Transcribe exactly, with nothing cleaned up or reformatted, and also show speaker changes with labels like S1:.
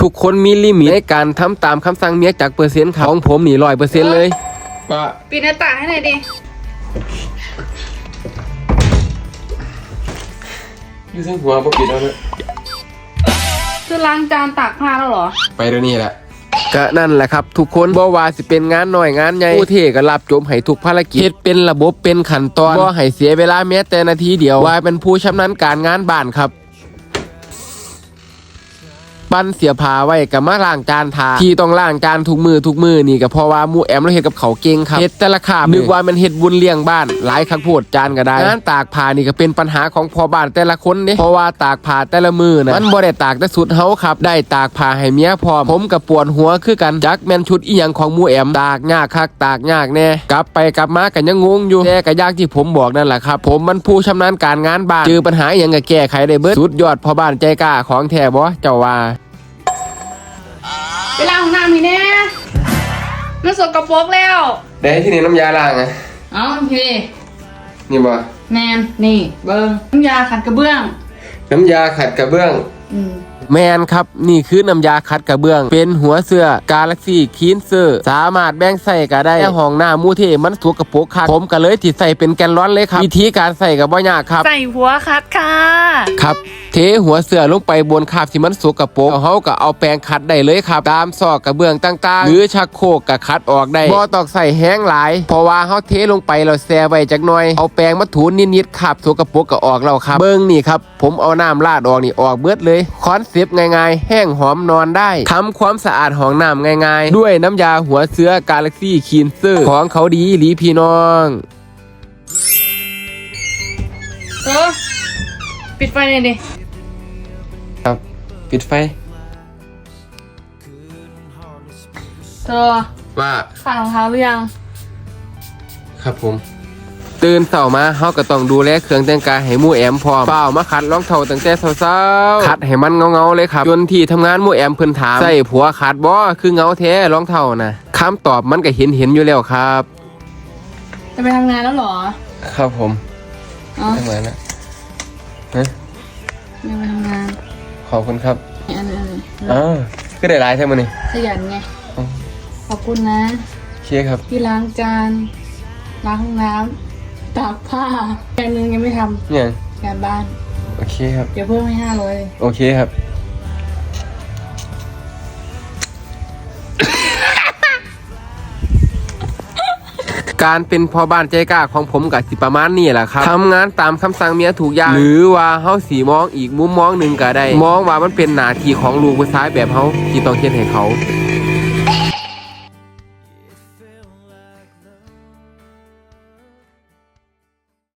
S1: ทุกคนมีลิมิตในการทำตามคำสั่งเมียจากเปอร์เซ็นต์ของผมนี่ร้อยเปอร์เซ็นต์เลยป้า
S2: ปิดหน้าต่างให้หน่อยดิ
S1: ยูซึ่งหัวปกปิดแล้วนะ
S2: คือล้างจานตากผ้าแล้วเหรอ
S1: ไปเดี๋ยวนี้แหละก็นั่นแหละครับทุกคนบ่ว่าสิเป็นงานน้อยงานใหญ่ผู้เทก็รับจมให้ทุกภารกิจเป็นระบบเป็นขั้นตอนบ่ให้เสียเวลาแม้แต่นาทีเดียวว่าเป็นผู้ชำนาญการงานบ้านครับปั้นเสียผาไว้กับมาล้างจานทาที่ต้องล้างจานทุกมือทุกมือนี่ก็เพราะว่าหมู่แอมเราเฮ็ดกับเขาเก่งครับเฮ็ดแต่ละคาบนึกว่ามันเฮ็ดบุญเลี้ยงบ้านหลายคักโพดจานก็ได้งานตากผ้านี่ก็เป็นปัญหาของพ่อบ้านแต่ละคนเด้เพราะว่าตากผ้าแต่ละมือน่ะมันบ่ได้ตากแต่สุดเฮาครับได้ตากผ้าให้เมียพร้อมผมก็ปวดหัวคือกันจักแม่นชุดอีหยังของหมู่แอมตากยากคักตากยากแน่กลับไปกลับมาก็ยังงงอยู่แต่ก็ยากที่ผมบอกนั่นแหละครับผมมันผู้ชำนาญการงานบ้านเจอปัญหาอีหยังก็แก้ไขได้เบิดสุดยอดพ่อบ้านใจกล้าของแท้บ่เจ้าว่า
S2: ไปล้างห้องน้ำนี่แน่มันสกปรกแล้ว
S1: ได้ที่นี่น้ำยาล้างไง
S2: เอ้าพี่
S1: นี่บ่
S2: แมนนี่เบิ้งน้ำยาขัดกระเบื้อง
S1: น้ำยาขัดกระเบื้อง
S2: อืม
S1: แมนครับนี่คือน้ำยาขัดกระเบื้องเป็นหัวเสื้อกาแล็กซี่คีนเซอร์สามารถแบ่งใส่ก็ได้ห้องหน้ามูเทมันสกปรกครับผมก็เลยติดใส่เป็นแกนร้อนเลยครับวิธีการใส่กับบ่ยากครับ
S2: ใส่หัวคัดค่ะ
S1: ครับเทหัวเสื้อลงไปบนคาบที่มันสกปรกเฮาก็เอาแปรงขัดได้เลยครับตามซอกกระเบื้องต่างๆหรือชักโครกก็ขัดออกได้บ่ต้องใส่แห้งหลายเพราะว่าเฮาเทลงไปแล้วแช่ไว้จักหน่อยเอาแปรงมาถูนิดๆคราบสกปรกก็ออกแล้วครับเบิ่งนี่ครับผมเอาน้ำราดออกนี่ออกเบิดเลยคอนเซ็ปต์ง่ายๆแห้งหอมนอนได้ทำความสะอาดห้องน้ำง่ายๆด้วยน้ำยาหัวเสื้อกาแล็กซี่คีนเซอร์ของเขาดีหลีพี่น้อง
S2: เออปิดไฟเลยดิ
S1: ครับปิดไฟ
S2: เธอ
S1: ว่า
S2: ใส่รองเท้าหรือยัง
S1: ครับผมตื่นเช้ามาเฮาก็ต้องดูแลเครื่องแต่งกายให้หมู่แอมพร้อมเปล่ามาขัดรองเท้าตั้งแต่เช้าๆขัดให้มันเงาๆเลยครับจนที่ทำงานหมู่แอมเพิ่นถามใส่ผัวขัดบ่คือเงาแท้รองเท้านะคำตอบมันก็เห็นเห็นอยู่แล้วครับ
S2: จะไปทำงานแล้วเหรอ
S1: ครับผม
S2: อ๋อ
S1: ทำงานนะฮะ
S2: ยังไปทำงาน
S1: ขอบคุณครับ
S2: อันนี้
S1: อ๋อคือได้หลายใช่มั้ยนี่
S2: ขยันไงขอบคุณนะ
S1: โอเคครับ
S2: พี่ล้างจานล้างห้องน้ำตากผ้าแกนึงยังไม่ทำ
S1: เนี่ย
S2: งานบ้าน
S1: โอเคครับ
S2: เดี๋ยวเพิ่มให้ห้าร้อย
S1: โอเคครับการเป็นพ่อบ้านใจกล้าของผมกับสิประมาณนี้แหละครับทำงานตามคำสั่งเมียถูกอย่างหรือว่าเฮาสีมองอีกมุมมองหนึ่งก็ได้มองว่ามันเป็นหน้าที่ของลูกผู้ชายแบบเฮาที่ต้องเฮ็ดให้เขา